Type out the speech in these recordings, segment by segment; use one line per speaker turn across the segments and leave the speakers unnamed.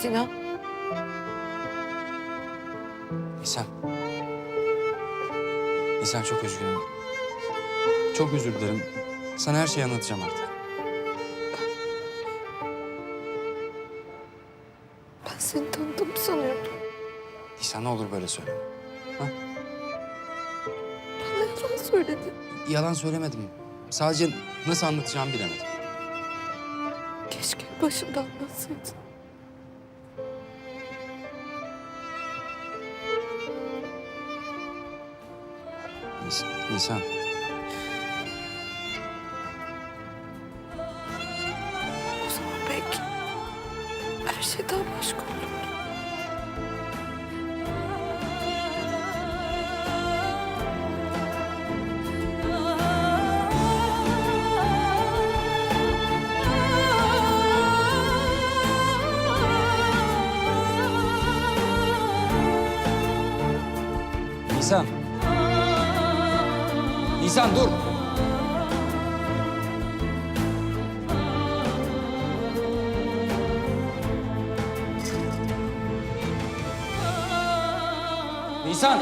Sinan.
Nisan. Nisan çok üzgünüm. Çok özür dilerim. Sana her şeyi anlatacağım artık.
Ben seni tanıdım sanıyordum.
Nisan ne olur böyle söyleme. Ha?
Bana yalan söyledin.
Yalan söylemedim. Sadece nasıl anlatacağımı bilemedim.
Keşke başında anlatsaydın.
Nisan.
O zaman belki her şey daha başka olur.
Nisan. Nisan dur. Nisan.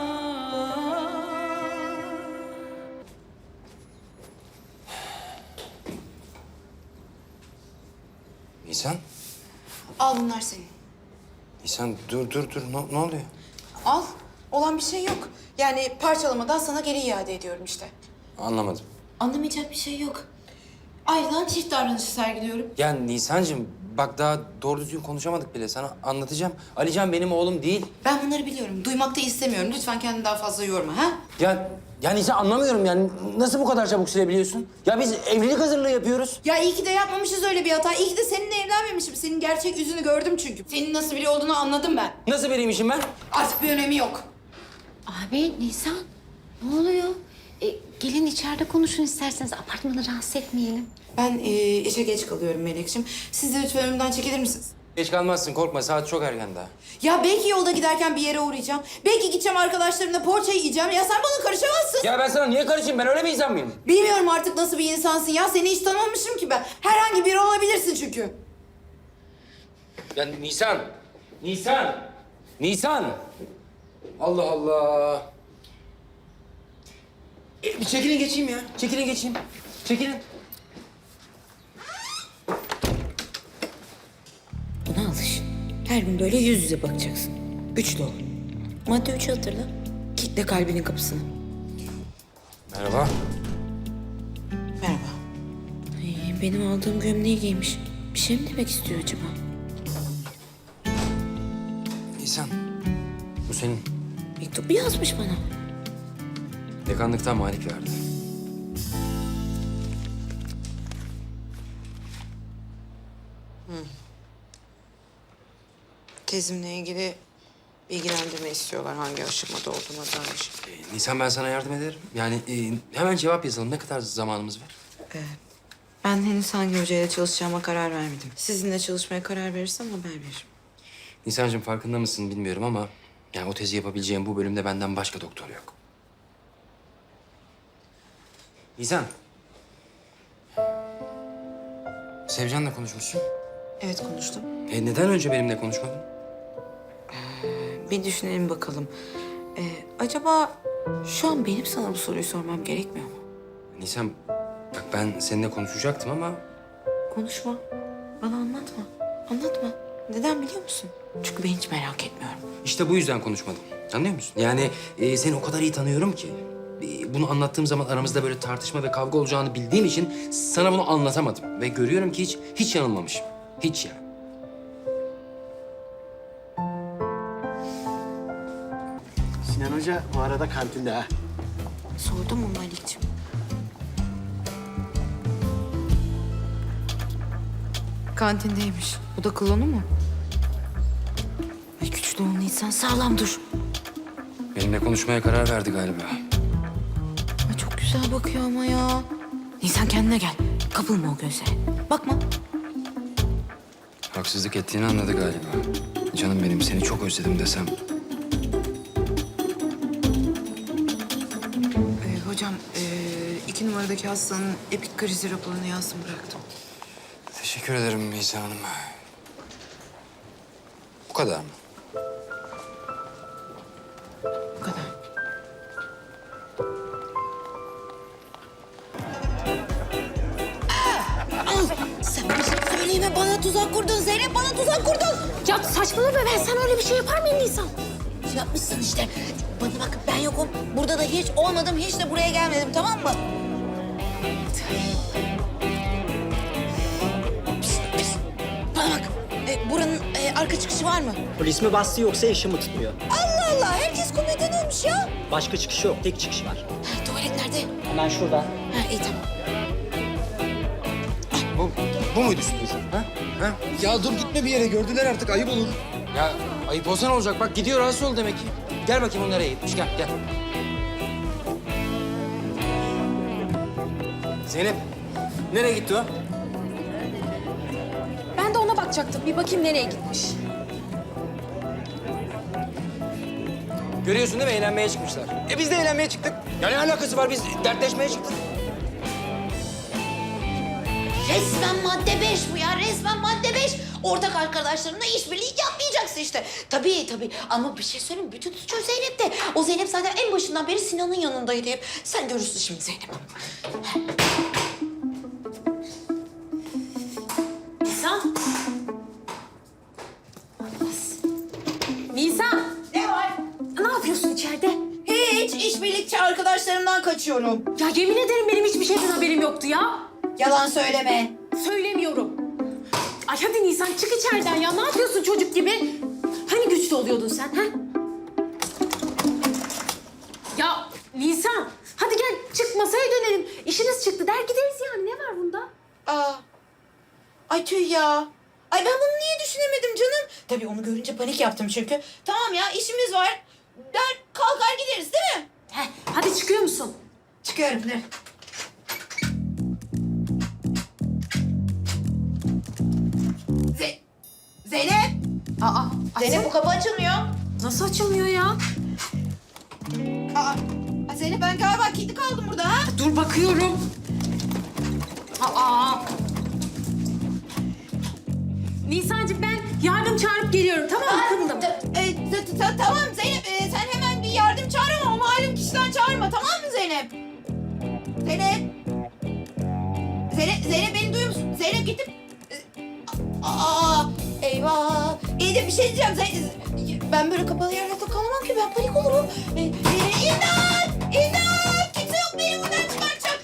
Nisan.
Al bunlar senin.
Nisan dur. Ne oluyor?
Al. Olan bir şey yok. Yani parçalamadan sana geri iade ediyorum işte.
Anlamadım.
Anlamayacak bir şey yok. Ayrılan çift davranışı sergiliyorum.
Ya Nisancığım bak daha doğru düzgün konuşamadık bile. Sana anlatacağım. Alican benim oğlum değil.
Ben bunları biliyorum. Duymak da istemiyorum. Lütfen kendini daha fazla yorma ha?
Ya Nisan anlamıyorum yani. Nasıl bu kadar çabuk silebiliyorsun? Ya biz evlilik hazırlığı yapıyoruz.
Ya iyi ki de yapmamışız öyle bir hata. İyi ki de seninle evlenmemişim. Senin gerçek yüzünü gördüm çünkü. Senin nasıl biri olduğunu anladım ben.
Nasıl biriymişim ben?
Artık bir önemi yok.
Abi Nisan ne oluyor? Gelin içeride konuşun isterseniz apartmanı rahatsız etmeyelim.
Ben işe geç kalıyorum Melek'ciğim. Siz de lütfen önümden çekilir misiniz?
Geç kalmazsın korkma saat çok erken daha.
Ya belki yolda giderken bir yere uğrayacağım. Belki gideceğim arkadaşlarımla poğaça yiyeceğim. Ya sen bana karışamazsın.
Ya ben sana niye karışayım? Ben öyle bir insan mıyım?
Bilmiyorum artık nasıl bir insansın ya. Seni hiç tanımamışım ki ben. Herhangi biri olabilirsin çünkü.
Ya Nisan! Allah Allah! Bir çekilin geçeyim ya. Çekilin geçeyim. Çekilin.
Buna alış. Her gün böyle yüz yüze bakacaksın. Güçlü ol. Madde 3'ü hatırla. Kitle kalbinin kapısını.
Merhaba.
Merhaba. Benim aldığım gömleği giymiş. Bir şey mi demek istiyor acaba?
Nisan. Bu senin.
Mektup yazmış bana.
Dekanlıktan Malik verdi.
Tezimle ilgili bilgilendirme istiyorlar. Hangi aşamada olduğuna dair.
Nisan ben sana yardım ederim. Yani hemen cevap yazalım. Ne kadar zamanımız var?
Ben henüz hangi hocayla çalışacağıma karar vermedim. Sizinle çalışmaya karar verirsem haber veririm.
Nisan'cığım farkında mısın bilmiyorum ama... yani o tezi yapabileceğim bu bölümde benden başka doktor yok. Nisan. Sevcan'la konuşmuşsun.
Evet konuştum.
Neden önce benimle konuşmadın?
Bir düşünelim bakalım. Acaba şu an benim sana bu soruyu sormam gerekmiyor mu?
Nisan, bak ben seninle konuşacaktım ama...
Konuşma. Bana anlatma. Anlatma. Neden biliyor musun? Çünkü ben hiç merak etmiyorum.
işte bu yüzden konuşmadım. Anlıyor musun? Yani seni o kadar iyi tanıyorum ki... bunu anlattığım zaman aramızda böyle tartışma ve kavga olacağını bildiğim için sana bunu anlatamadım. Ve görüyorum ki hiç yanılmamışım. Hiç yani.
Sinan Hoca bu arada kantinde ha.
Sordum mu Malik'ciğim? Kantindeymiş. Bu da klonu mu? Ay güçlü ol Nisan, sağlam dur.
Benimle konuşmaya karar verdi galiba.
Ay çok güzel bakıyor ama ya. Nisan kendine gel. Kapılma o gözlere. Bakma.
Haksızlık ettiğini anladı galiba. Canım benim seni çok özledim desem.
Hocam, 2 numaradaki hastanın epik krizi raporunu yazdım bıraktım.
Teşekkür ederim Nisan Hanım. kadar mı?
Bu kadar. Sen bir şey söyleyeme, bana tuzak kurdun Zeynep, bana tuzak kurdun.
Ya saçmalama be, ben sana öyle bir şey yapar mıyım Nisan?
Yapmışsın işte. Bana bak, ben yokum. Burada da hiç olmadım, hiç de buraya gelmedim, tamam mı? Pişt, pişt. Bana bak, buranın arka çıkışı var mı?
Polis mi bastı yoksa eşi mi tutmuyor?
Allah Allah, herkes komedyen olmuş ya.
Başka çıkışı yok, tek çıkış var.
Ha, tuvalet nerede?
Hemen şurada.
Ha, iyi tamam.
Bu muydu sürpriz? Ha? Ha?
Ya dur gitme bir yere. Gördüler artık. Ayıp olur.
Ya ayıp olsa ne olacak? Bak gidiyor, rahatsız ol demek ki. Gel bakayım o nereye gitmiş. Gel, gel. Zeynep, nereye gitti o?
Ben de ona bakacaktım. Bir bakayım nereye gitmiş.
Görüyorsun değil mi? Eğlenmeye çıkmışlar. Biz de eğlenmeye çıktık. Ya ne alakası var? Biz dertleşmeye çıktık.
Resmen madde 5 bu ya, resmen madde 5. Ortak arkadaşlarımla işbirliği yapmayacaksın işte. Tabii tabii ama bir şey söyleyeyim, bütün suç o Zeynep'te. O Zeynep zaten en başından beri Sinan'ın yanındaydı hep. Sen görürsün şimdi Zeynep.
Nisan. Nisan.
Ne var?
Ne yapıyorsun içeride?
Hiç, işbirlikçi arkadaşlarımdan kaçıyorum.
Ya yemin ederim benim hiçbir şeyden haberim yoktu ya.
Yalan söyleme.
Söylemiyorum. Ay hadi Nisan çık içeriden ya. Ne yapıyorsun çocuk gibi? Hani güçlü oluyordun sen ha? Ya Nisan hadi gel çık masaya dönelim. İşiniz çıktı der gideriz yani. Ne var bunda?
Aa. Ay tüh ya. Ay ben bunu niye düşünemedim canım? Tabii onu görünce panik yaptım çünkü. Tamam ya, işimiz var. Der kalkar gideriz değil mi?
Heh, hadi çıkıyor musun?
Çıkıyorum. Ne? Zeynep!
Aa,
Zeynep, bu kapı açılmıyor.
nasıl açılmıyor ya?
Aa, Zeynep, ben galiba kilitli kaldım burada ha.
Dur bakıyorum. Aa. Nisancığım ben yardım çağırıp geliyorum tamam mı? Kımıldım.
Tamam Zeynep, sen hemen bir yardım çağır ama o malum kişiden çağırma, tamam mı Zeynep? Zeynep! Zeynep beni duyuyor musun? Zeynep gittim. Aa, eyvah. İyi de bir şey diyeceğim. Ben böyle kapalı yerlerde kalamam ki, ben panik olurum. İmdat! İmdat! Kimse yok, beni buradan çıkartacak.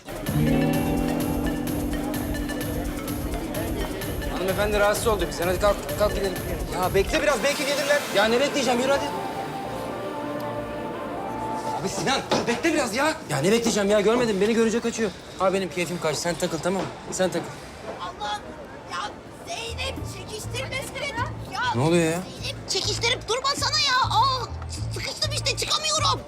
Hanımefendi rahatsız oldu bizden. Hadi kalk gidelim.
Ya bekle biraz. Belki gelirler.
Ya ne bekleyeceğim? Yürü hadi. Abi Sinan dur bekle biraz ya. Ya ne bekleyeceğim ya? Görmedin beni görünce kaçıyor. Abi benim keyfim kaçtı. Sen takıl tamam mı? Sen takıl.
Allah'ım ya, Zeynep çekiştirmesene. Ya
Ne oluyor ya?
Zeynep çekiştirip durmasana ya. Aa, sıkıştım işte, çıkamıyorum.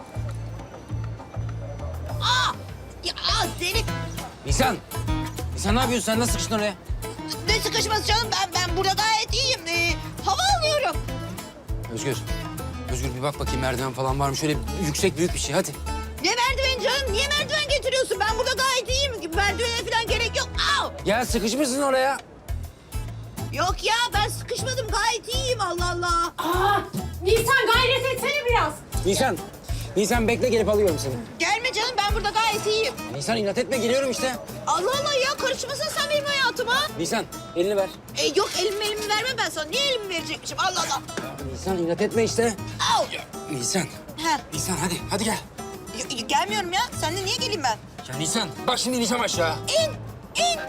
Aa, ya Zeynep,
Nisan. Nisan ne yapıyorsun? Sen nasıl sıkıştın oraya?
ne sıkışması canım, ben burada gayet iyiyim. Hava alıyorum.
Özgür. Özgür bir bak bakayım merdiven falan var mı? Şöyle yüksek büyük bir şey hadi.
Ne merdiven canım? Niye merdiven getiriyorsun? Ben burada gayet iyiyim. Merdivene falan gerek yok. Aa!
Ya sıkışmışsın oraya.
Yok ya, ben sıkışmadım. Gayet iyiyim, Allah Allah.
Aa, Nisan gayret etsene biraz.
Nisan. Nisan bekle gelip alıyorum seni.
Gelme canım, ben burada gayet iyiyim.
Nisan inat etme geliyorum işte.
Allah Allah ya, karışmasana sen benim hayatıma.
Nisan elini ver.
Yok, elimi vermem ben sana. Niye elimi verecekmişim? Allah Allah.
Nisan inat etme işte.
Au!
Nisan.
He,
Nisan hadi gel.
gelmiyorum ya. Sen de niye geleyim ben?
Ya Nisan bak şimdi ineceğim aşağı.
İn, in.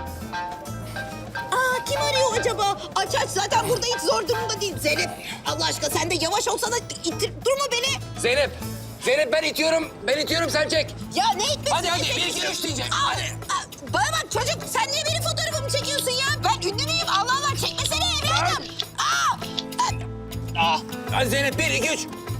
Aa, kim arıyor acaba? Aç zaten burada hiç zor durumda değil. Zeynep, Allah aşkına sen de yavaş olsana. Durma beni.
Zeynep. Zeynep ben itiyorum sen çek.
Ya ne etmesin?
Hadi bir iki üç diyecek. Hadi.
Bana bak çocuk, sen niye benim fotoğrafımı çekiyorsun ya? Ben ünlü müyüm? Allah Allah, çekmesene evladım.
Hadi Zeynep bir iki üç.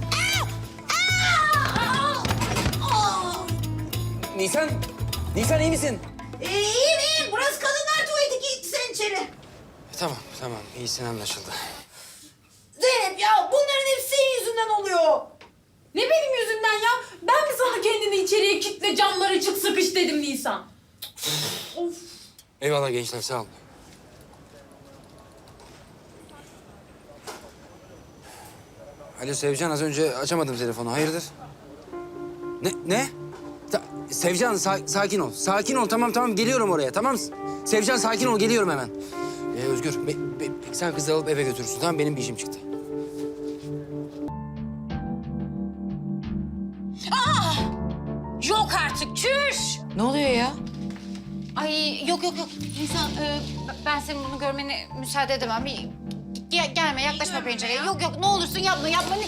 Nisan iyi misin?
İyiyim. Burası kadınlar tuvaleti. Git sen içeri.
Tamam iyisin anlaşıldı.
Zeynep ya, bunların hepsi senin yüzünden oluyor.
Ne benim yüzümden ya? Ben mi sana kendini içeriye kitle camları çık sıkış dedim Nisan? Of.
Eyvallah gençler sağ olun. Alo Sevcan, az önce açamadım telefonu. Hayırdır? Ne? Sevcan, sakin ol. Sakin ol, tamam. Geliyorum oraya, tamam? Sevcan, sakin ol, geliyorum hemen. Özgür, sen kızı alıp eve götürürsün, tamam? Benim bir işim çıktı.
Yok artık, çüş!
Ne oluyor ya?
Ay yok. Nisan, ben senin bunu görmene müsaade edemem. Gelme, yaklaşma pencereye. Yok, ne olursun yapma.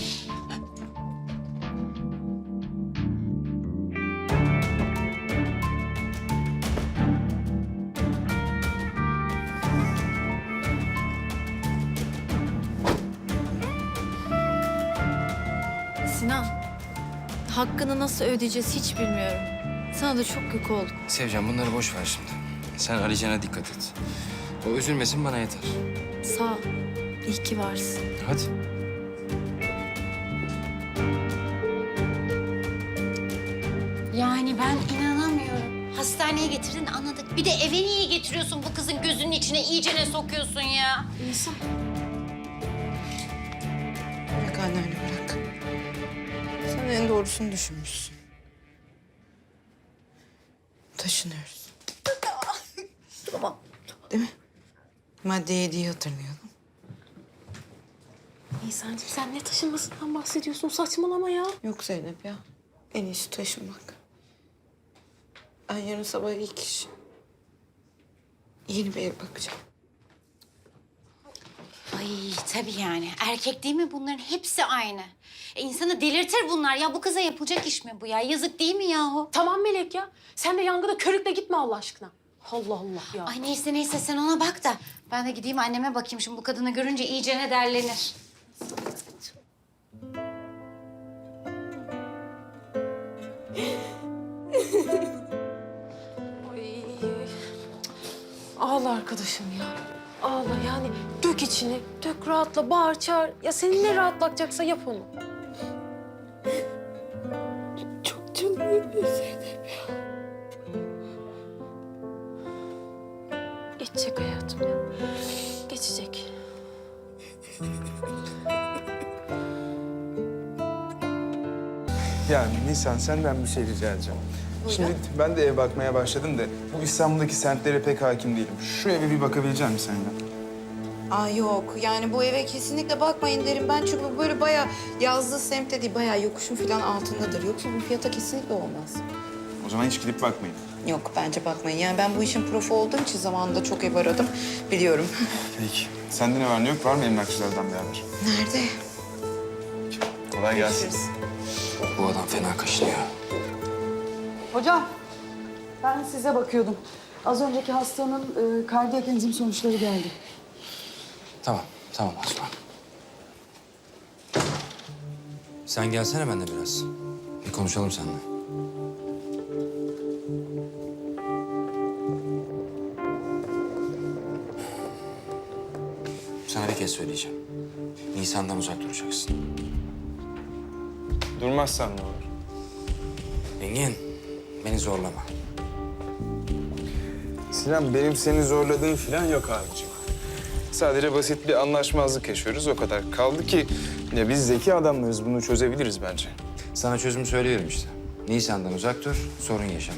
Sinan, hakkını nasıl ödeyeceğiz hiç bilmiyorum. Sana da çok yük olduk.
Sevcan, bunları boş ver şimdi. Sen Alican'a dikkat et. O üzülmesin, bana yeter.
Sağ ol. İyi ki varsın.
Hadi.
Yani ben inanamıyorum. Hastaneye getirdin, anladık. Bir de eve niye getiriyorsun bu kızın gözünün içine, iyicene sokuyorsun ya?
Bırak anneanne bırak. Sen en doğrusunu düşünmüşsün. Taşınıyoruz. Tamam. Değil mi? Madde 7'yi hatırlayalım.
Nisan'cığım sen ne taşınmasından bahsediyorsun? Saçmalama ya.
Yok Zeynep ya. En iyisi taşınmak. Ben yarın sabah ilk iş yeni bir ev bakacağım.
Ay tabii yani. Erkek değil mi bunların? Hepsi aynı. İnsanı delirtir bunlar. Ya bu kıza yapılacak iş mi bu ya? Yazık değil mi yahu?
Tamam Melek ya. Sen de yangına körükle gitme Allah aşkına. Allah Allah ya.
Ay neyse sen ona bak da. Ben de gideyim anneme bakayım. Şimdi bu kadını görünce iyicene derlenir.
Ay. Ağla arkadaşım ya. Ağla yani. Dök içini. Dök rahatla, bağır çağır. Ya seni ne rahatlatacaksa yap onu.
Çok canım yanıyor Zeynep ya.
Geçecek hayatım ya. Geçecek.
Yani Nisan senden bir şey rica edeceğim. Şimdi ben de ev bakmaya başladım da bu İstanbul'daki semtlere pek hakim değilim. Şu eve bir bakabilecek misin senden?
Aa yok yani bu eve kesinlikle bakmayın derim ben çünkü bu böyle bayağı yazlığı semtte değil bayağı yokuşun falan altındadır. Yoksa bu fiyata kesinlikle olmaz.
O zaman hiç gidip bakmayın.
Yok bence bakmayın yani ben bu işin profu olduğum için zamanında çok ev aradım biliyorum.
Peki. Sende ne var ne yok? Var mı emlakçılardan bir haber?
Nerede?
Kolay gelsin.
Bu adam fena kaşınıyor.
Hocam, ben size bakıyordum. Az önceki hastanın kardiyak enzim sonuçları geldi.
Tamam Osman. Sen gelsene benimle biraz. Bir konuşalım seninle. Sana bir kez söyleyeceğim. Nisan'dan uzak duracaksın.
Durmazsan ne olur?
Engin, beni zorlama.
Sinan benim seni zorladığım falan yok abiciğim. Sadece basit bir anlaşmazlık yaşıyoruz o kadar. Kaldı ki ya biz zeki adamlarız bunu çözebiliriz bence.
Sana çözümü söylüyorum işte. Nisan'dan uzak dur, sorun yaşama.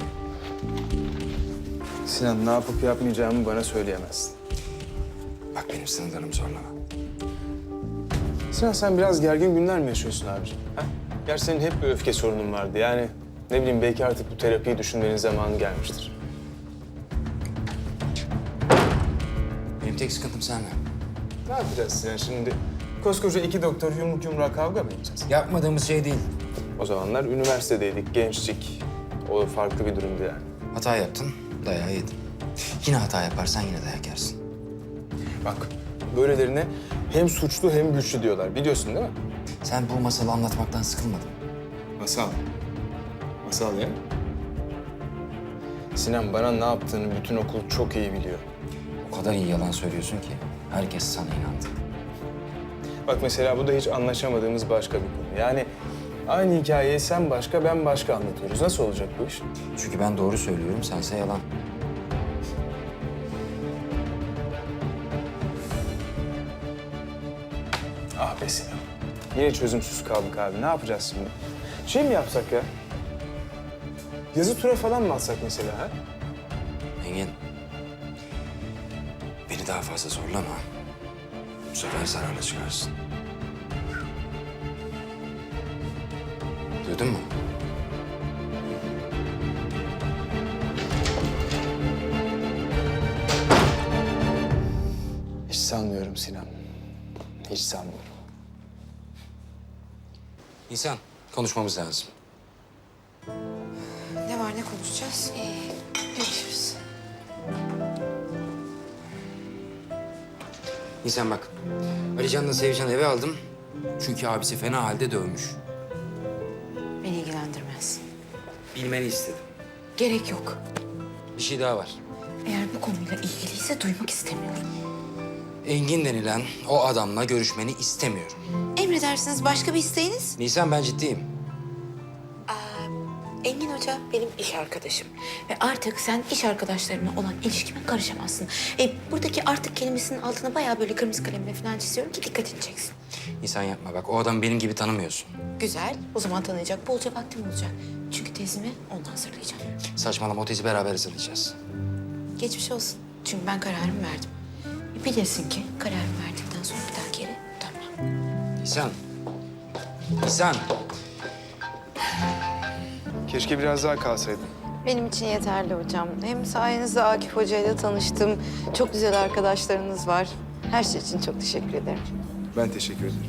Sinan ne yapıp yapmayacağımı bana söyleyemezsin.
Bak benim sınırlarımı zorlama.
Sinan sen biraz gergin günler mi yaşıyorsun abiciğim? Ha? Gerçi senin hep bir öfke sorunun vardı. Yani ne bileyim belki artık bu terapiyi düşünmenin zamanı gelmiştir.
Benim tek sıkıntım seninle.
Ne yapacağız Sinan şimdi? Koskoca iki doktor yumruk yumruğa kavga mı edeceğiz?
Yapmadığımız şey değil.
O zamanlar üniversitedeydik, gençlik. O farklı bir durumdu yani.
Hata yaptın, dayağı yedin. Yine hata yaparsan yine dayak yersin.
Bak, böylelerine hem suçlu hem güçlü diyorlar. Biliyorsun değil mi?
Sen bu masalı anlatmaktan sıkılmadın.
Masal. Masal ya. Sinan bana ne yaptığını bütün okul çok iyi biliyor.
O kadar iyi yalan söylüyorsun ki herkes sana inandı.
Bak mesela bu da hiç anlaşamadığımız başka bir konu. Yani aynı hikayeyi sen başka, ben başka anlatıyoruz. Nasıl olacak bu iş?
Çünkü ben doğru söylüyorum, sense yalan.
Ah be Sinan. Yine çözümsüz kaldık abi. Ne yapacağız şimdi? Şey mi yapsak ya? Yazı tura falan mı atsak mesela ha?
Engin. Beni daha fazla zorlama. Bu sefer zararla çıkarsın. Duydun mu?
Hiç sanmıyorum Sinan. Hiç sanmıyorum.
Nisan, konuşmamız lazım.
Ne var ne konuşacağız? Görüşürüz.
Nisan bak, Alican'la Sevcan'ı eve aldım. Çünkü abisi fena halde dövmüş.
Beni ilgilendirmez.
Bilmeni istedim.
Gerek yok.
Bir şey daha var.
Eğer bu konuyla ilgiliyse duymak istemiyorum.
Engin denilen o adamla görüşmeni istemiyorum.
Emredersiniz, başka bir isteğiniz?
Nisan, ben ciddiyim.
Engin Hoca benim iş arkadaşım. Ve artık sen iş arkadaşlarımla olan ilişkime karışamazsın. Buradaki artık kelimesinin altına bayağı böyle kırmızı kalemle falan çiziyorum ki dikkatini çeksin.
Nisan yapma bak, o adamı benim gibi tanımıyorsun.
Güzel, o zaman tanıyacak bolca vaktim olacak. Çünkü tezimi ondan hazırlayacağım.
Saçmalama, o tezi beraber hazırlayacağız.
Geçmiş olsun. Çünkü ben kararımı verdim. Bilirsin ki kararımı verdikten sonra bir daha geri dönmem.
Nisan. Nisan.
Keşke biraz daha kalsaydın.
Benim için yeterli hocam. Hem sayenizde Akif Hoca ile tanıştım. Çok güzel arkadaşlarınız var. Her şey için çok teşekkür ederim.
Ben teşekkür ederim.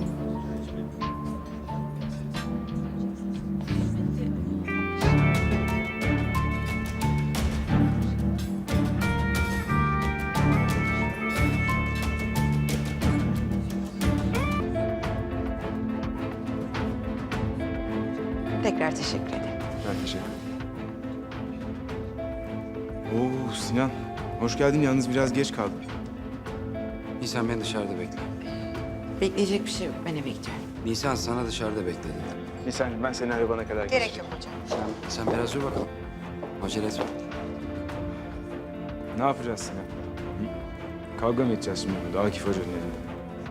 Tekrar teşekkür ederim.
Ben teşekkür ederim. Oo Sinan, hoş geldin. Yalnız biraz geç kaldın.
Nisan, beni dışarıda bekle.
Bekleyecek bir şey yok. Ben eve gidiyorum.
Nisan, sana dışarıda bekle dedim.
Nisan'cığım ben seni arabana kadar
Gerek yok hocam.
Sen biraz dur bakalım. Acele etme.
Ne yapacağız Sinan? Hı? Kavga mı edeceğiz şimdi burada Akif Hoca'nın elinde?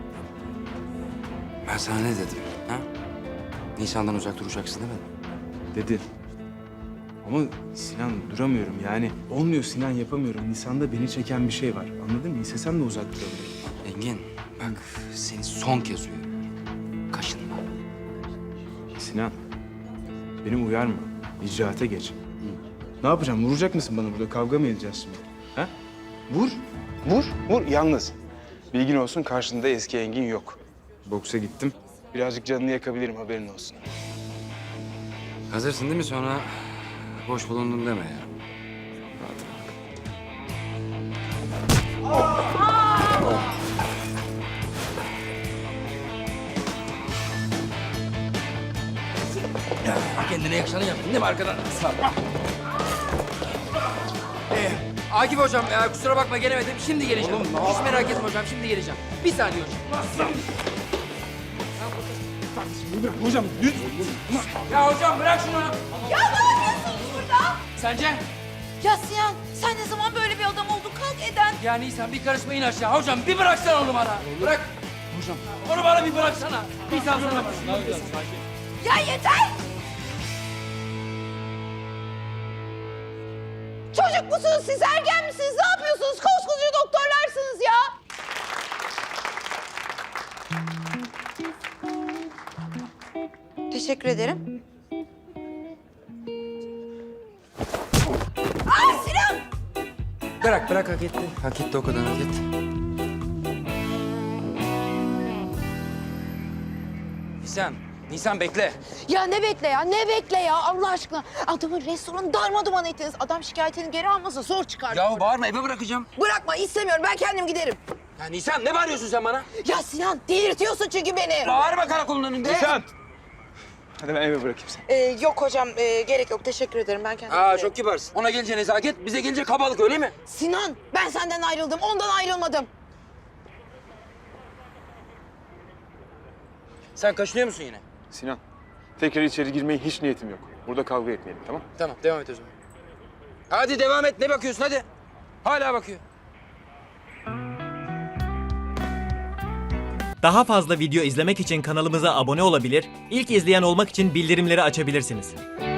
Ben sana ne dedim? Ha? Nisan'dan uzak duracaksın demedim.
Dedin. Ama Sinan duramıyorum yani. Olmuyor Sinan, yapamıyorum. Nisan'da beni çeken bir şey var. Anladın mı? İstesem de uzak durabilirim.
Engin, bak seni son kez uyarıyorum. Kaşınma.
Sinan, beni uyarma. İcraate geç. Ne yapacağım? Vuracak mısın bana burada? Kavga mı edeceğiz şimdi? Ha? Vur. Vur. Vur. Yalnız. Bilgin olsun, karşında eski Engin yok. Boksa gittim. Birazcık canını yakabilirim, haberin olsun.
Hazırsın değil mi? Sonra boş bulundum deme ya. Ya, kendine yakışanı yaptın değil mi arkadan? Akif hocam, kusura bakma gelemedim. Şimdi geleceğim. Hiç merak etme hocam, şimdi geleceğim. Bir saniye hocam.
Hocam, lütfen.
Ya hocam bırak şunu.
Ya ne yapıyorsunuz burada?
Sence?
Ya Sinan sen ne zaman böyle bir adam oldun? Kalk Eden.
Ya Nisan bir karışma in aşağı. Hocam bir bıraksana onu bana. Bırak. Hocam. Onu bana bir bıraksana. Bir salsana.
Ya yeter! Çocuk musunuz siz? Ergen misiniz? Ne yapıyorsunuz? Koskoca doktorlarsınız ya!
Teşekkür ederim.
Aa Sinan!
Bırak hak etti. Hak etti o kadar hak etti. Nisan bekle.
Ya ne bekle ya? Ne bekle ya? Allah aşkına. Adamın restoranı darmaduman ettiniz. Adam şikayetini geri almasa zor çıkar.
Ya bağırma eve bırakacağım.
Bırakma istemiyorum. Ben kendim giderim.
Ya Nisan ne bağırıyorsun sen bana?
Ya Sinan delirtiyorsun çünkü beni.
Bağırma karakolun önünde.
Nisan! Hadi ben eve bırakayım seni.
Yok hocam gerek yok. Teşekkür ederim. Ben kendim giderim.
Çok kibarsın. Ona gelince nezaket, bize gelince kabalık öyle mi?
Sinan ben senden ayrıldım. Ondan ayrılmadım.
Sen kaşınıyor musun yine?
Sinan, tekrar içeri girmeye hiç niyetim yok. Burada kavga etmeyelim, tamam?
Tamam devam et o zaman. Hadi devam et. Ne bakıyorsun hadi. Hala bakıyor.
Daha fazla video izlemek için kanalımıza abone olabilir, ilk izleyen olmak için bildirimleri açabilirsiniz.